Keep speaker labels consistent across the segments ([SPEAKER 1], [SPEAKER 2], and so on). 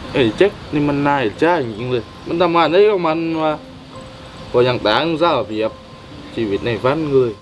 [SPEAKER 1] ไอ้แจ็คนี่มันนายจ้าจริงๆเลยมันทำงานได้ก็มันว่าพออย่างต่างซะเปรียบชีวิตในฝันเลย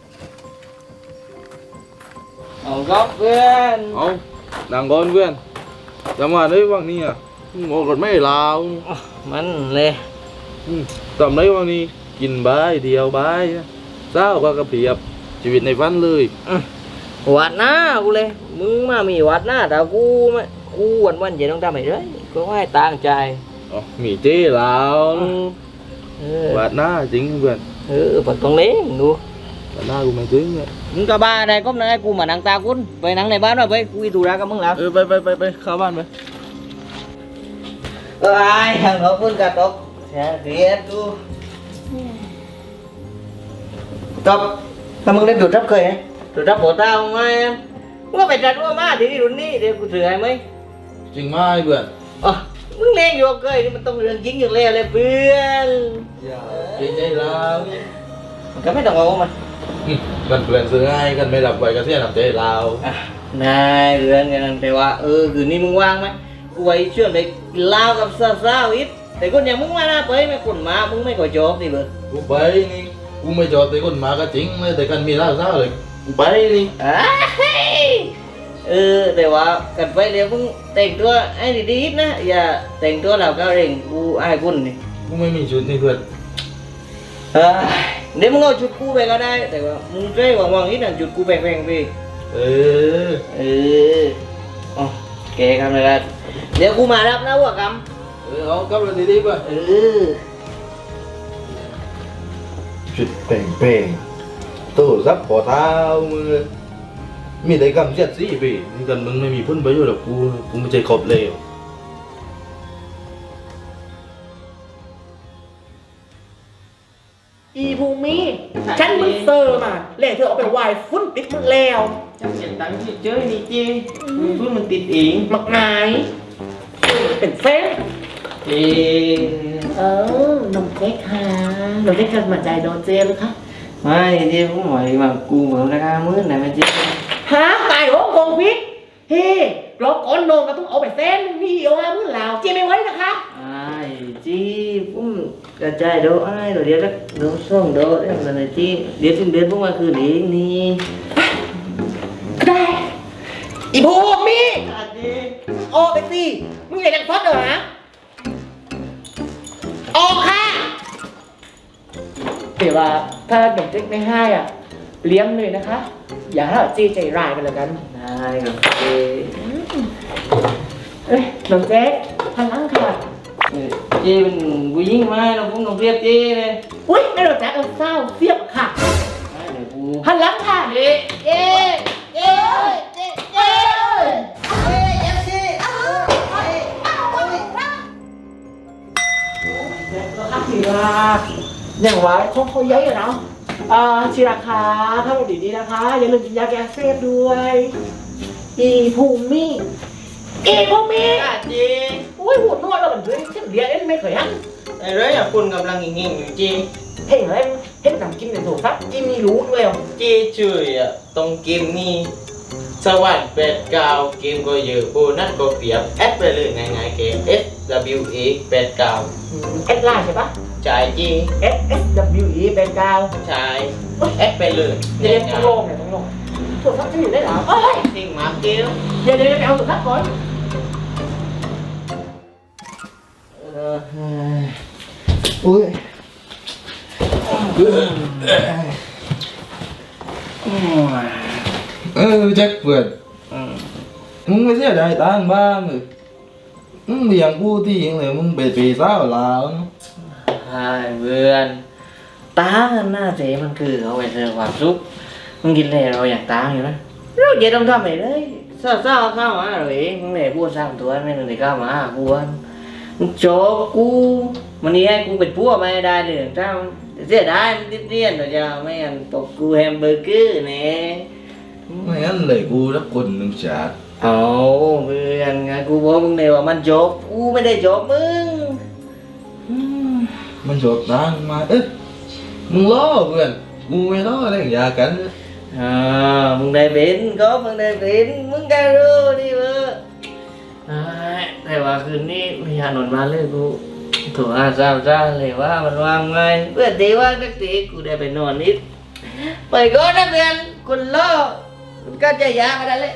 [SPEAKER 2] เอาก็เพื่อน
[SPEAKER 1] เอาดังก่อนเพื่อนทำงานได้ว่างนี่อ่ะงอกรถไม่ลาว
[SPEAKER 2] มันเลย
[SPEAKER 1] ทำได้ว่างนี่กินบายเดียวบายเศร้าก็กระเพียบชีวิตในฝันเลย
[SPEAKER 2] วัดหน้ากูเลยมึงมามีวัดหน้าแต่กูไม่กูวันเย็นต้องทำอะไรด้วยก็ให้ตั้งใจ
[SPEAKER 1] มีเจ้ลาววัดหน้าจริงเพื่อน
[SPEAKER 2] ปัดตรงนี้ดู
[SPEAKER 1] วัดหน้ากูไม่ถึงเลย
[SPEAKER 2] มึงกับบ้านไหนก็ไหนกูมานั่งตาคุณไปนั่งในบ้านหน่อยไปกูอีตูรักกับมึงแล้ว
[SPEAKER 1] ไปเข้าบ้านไป
[SPEAKER 2] ไอ้ทางเขาคุณกับตกเรียนดูตบถ้ามึงเล่นดูดรับเคยไหมดูดรับหัวตาไหมว่าไปจัดว่ามาที่นี่รุ่นนี้เดี๋ยวกูเสือไหม
[SPEAKER 1] จริงไหมเพื่อน
[SPEAKER 2] มึงเล่นอยู่เคยนี่มันต้องเรื่องจริงอยู่แล้วเลยเพื่อน
[SPEAKER 1] จริงใจเรา
[SPEAKER 2] มันก็ไม่ต้องเอามัน
[SPEAKER 1] กันเพื่อนซื้อให้กันไม่หลับไปก็เสียหนักใจเรา
[SPEAKER 2] นายเรื่องกันแต่ว่าคืนนี้มึงว่างไหมกูไว้ช่วยไปเล่ากับสาวๆอีกแต่คนอย่างมึงมาหน้าไปไม่คนมามึงไม่ก่อโจบนี่เบิร์ด
[SPEAKER 1] กูไปนี่กูไม่จอดแต่คนมาก็จริงเลยแต่กันมีเล่าซะเลยกูไปนี่
[SPEAKER 2] แต่ว่ากันไปเดี๋ยวมึงแต่งตัวไอ้ดีๆนะอย่าแต่งตัวเราก็เร่งกูไอ้คุณนี่
[SPEAKER 1] กูไม่มีชุดนี่เพื่อน
[SPEAKER 2] เดี๋ยวมึงเอาชุดกูไปก็ได้แต่ว่ามึงเจ๊หวังๆนิดหน่อยชุดกูแพงๆไปแกทำอะไรกันเดี๋ยวกูมารับนะว่าก
[SPEAKER 1] ำเอากำลังดีๆป่ะชุดเป่งๆตู้ซับปอเท้ามือมีแต่กำเสียดสีพี่นี่กันมึงไม่มีพ้นประโยชน์หรอกกูไม่ใช่ขอบเลว
[SPEAKER 3] อีภูมิฉันมึงเซอร์มาเล่เธอเอาไปวายฟุ้นติดมึงแล้ว
[SPEAKER 2] จะเสียตังค์ที่เจอนี่จีฟุ้นมันติดเอง
[SPEAKER 3] มักนายเป็นเส้นนมเค้กค่ะนมเค้กกันมาใจโดนเจหรือคะ
[SPEAKER 2] ไม่จีผมหมายว่ากูเหมือนราคามื้อไหนมันจี
[SPEAKER 3] ฮะตายโอ้โกงพิษเฮ้รอก่อนนมก็ต้องเอาไปเส้นนี่เอาห้ามื้อแล้วจีไม่ไว้นะคะ
[SPEAKER 2] จีผมกระจายโดไอ้เดี๋ยวจะโดส่งโดเรื่องอะไรจีเดี๋ยวสิ้นเดือนพวกมันคือเดี๋ยวนี้
[SPEAKER 3] ได้อีภูมิโอ้ไปสิมึงอยากจะฟอดเหรอฮะออกค่ะเดี๋ยวว่าถ้าดอกเจ๊กไม่ให้อ่ะเลี้ยงเลยนะคะอย่าให้จีใจร้ายกันแล้วกัน
[SPEAKER 2] ได้ครับ
[SPEAKER 3] ดอกเจ๊กพลังค่ะ
[SPEAKER 2] จีเป็นผู้หญิงไหมเราพุ่งต้องเรียบจีเลย
[SPEAKER 3] อุ้ยไม่ดอกแจ๊กเศร้าเสียบค่ะพลังค่ะเอ๊อย่างว่าเขาเยอะอยู่เนาะชีราคาถ้าเราดีๆนะคะอย่าลืมกินยาแก้เสพด้วยอีภูมิ
[SPEAKER 2] จี
[SPEAKER 3] อุ้ยหัวนวดเราเหมือนด้วยเช่นเดียเอ็นไม่เคยฮัน
[SPEAKER 2] ไอ้เรื่องอย่างคุณกำลังงิ่งอยู่จี
[SPEAKER 3] เห็นเลยเห็นทำกินในโถซับจีมีรู้ด้วย
[SPEAKER 2] จีช่วยตรงเกมนี้สวัสดิ์89เกมก็เยอะโบนัสก็เปรียบแอดไปเลยง่ายๆเกม SWE 89
[SPEAKER 3] แอดไลน์ใช่ปะ
[SPEAKER 2] จ่ายจี
[SPEAKER 3] SWE 89
[SPEAKER 2] ใช่แอดไปเลย
[SPEAKER 3] เดี๋ยวต้องลงโถซับจะอยู่ได้หรอ
[SPEAKER 2] ทิ้งมาเกี้ยว
[SPEAKER 3] เดี๋ยวไปเอาโถซับก่อน
[SPEAKER 1] อุ้ยแจ็คเปิดมึงไม่เสียดายตังบ้างเลยมึงเลี้ยงกูที่ยังเลยมึงไปปีสาวลาว
[SPEAKER 2] ใช่เพื่อนตาหน้าเจ๊มันคือเอาไปเจอความสุขมึงกินเลยเราอยากตาอยู่นะเราเย็นต้องทำไปเลยเศร้าเข้ามาเลยมึงเนี่ยพูด3ตัวไม่เลยเข้ามาพูดมึงโจกูวันนี้ให้กูเป็นพวกไม่ได้เลยถ้าเสียดายมันติดเรียนเดี๋ยวจะไม่งั้นตกกูแฮมเบอร์เกอร์เนี่ย
[SPEAKER 1] ไม่งั้นเลยกูรับคนหนึ่งจัด
[SPEAKER 2] เอาเพื่อนไงกูบอกมึงเลยว่ามันจบกูไม่ได้จบมึง
[SPEAKER 1] มันจบตังมามึงล้อเพื่อนกูไม่ล้ออะไรอย่ากัน
[SPEAKER 2] มึงได้เป็นก็มึงได้เป็นมึงก็รู้ดิเว้ยแต่ว่าคืนนี้ไม่อยากนอนมาเลยกูโถอาซาซาเลยว่ามันว่างไงเพื่อนดีว่านักตีกูได้ไปนอนนิดไปก่อนนักเรียนคนล่อมันก็จะยากอะไรเลย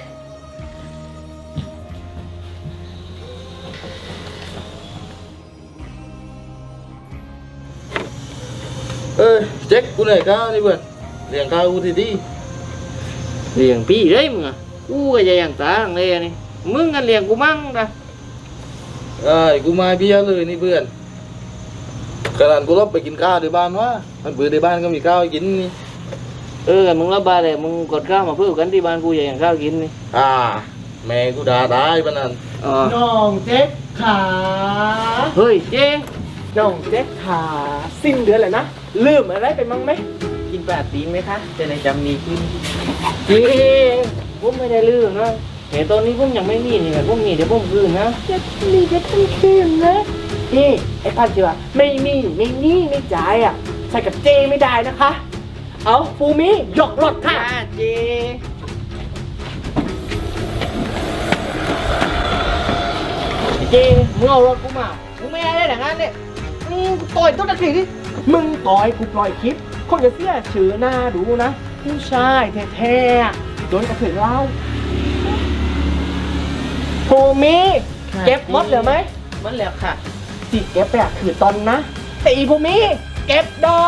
[SPEAKER 1] เจ๊กกูเหนื่อยข้าวนี่เพื่อนเลี้ยงข้าวกูทีดี
[SPEAKER 2] เลี้ยงพี่เลยมึงอ่ะกูก็จะอย่างตาอย่างเลยนี่มึงกันเลี้ยงกูมั่งนะ
[SPEAKER 1] กูมาเบี้ยเลยนี่เพื่อนขนาดกูรับไปกินข้าวในบ้านวะมันเบื่อในบ้านก็มีข้าวให้กินนี่
[SPEAKER 2] มึงรับบาเลยมึงกดข้าวมาเพื่อกันที่บ้านกูอย่างข้าวกินนี่
[SPEAKER 1] แม่กูด่าตายปะนั่น
[SPEAKER 2] อ๋อ
[SPEAKER 3] น้องเจ๊กขา
[SPEAKER 2] เฮ้ยเจ๊
[SPEAKER 3] น้องเจ๊กขาสิ้นเดือนแล้วนะลืมอะไรไปมั้งไหม
[SPEAKER 2] กินปลาตีนไหมคะจะได้จำดีขึ้นจริงผมไม่ได้ลืมนะเห็นตอนนี้ผมยังไม่มีนี่แหละผมมีเดี๋ยวผมคืนนะ
[SPEAKER 3] จะมีจะต้องคืนนะนี่ไอ้พันเจือไม่มีไม่จ่ายอ่ะใส่กับเจไม่ได้นะคะ เอาฟูมิหยอกหลอดค่ะ
[SPEAKER 2] เจ๊เจ๊มึงเอารถกูมามึงไม่ได้แต่งงานเนี่ยกูต่อยต้นตะกี้ดิ
[SPEAKER 3] มึงต่อยกูปล่อยคลิปคนจะเสียชื่อหน้าดูนะผู้ชายแท้ๆอะโดนกระเทือนเล่าฟูมิเก็บหมดเหลือไหม
[SPEAKER 2] มันแล้วค่ะ
[SPEAKER 3] จีเก็บไปอะคือตอนนะแต่อีภูมิเก็บดอก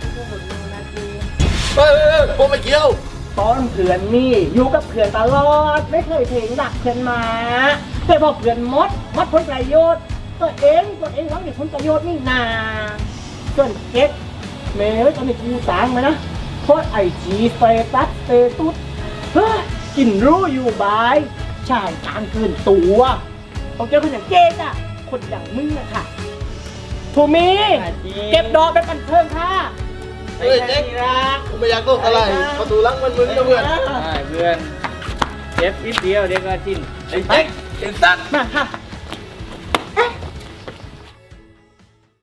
[SPEAKER 1] กูไม่เกี่ยว
[SPEAKER 3] ตอนเพื่อนนี่อยู่กับเพื่อนตลอดไม่เคยเพลงหลักเพื่อนมาแต่พอเพื่อนมดผลประโยชน์ตัวเองหวังในผลประโยชน์นี่นาส่วนเก็บเมย์ตอนนี้กูสางมานะโพสไอจีสเตตุสเฮ้ยกินรู้อยู่บายชายกลางเกินตัวเอาเจอคนอย่างเจ๊อะคนอย่างมึงอะค่ะภูมิเก็บดอกเป็นบันเทิงค่ะ
[SPEAKER 1] เฮ้ยเจ๊กกูไม่อยากโลกอะไรประตูหลังมันมึงนะเพื่อน
[SPEAKER 2] เพื่อนเจ็บนิดเดียวเดี๋ยวก็ชิน
[SPEAKER 1] ไอ้เจ๊กไอ้สัตว์
[SPEAKER 3] มาค่ะ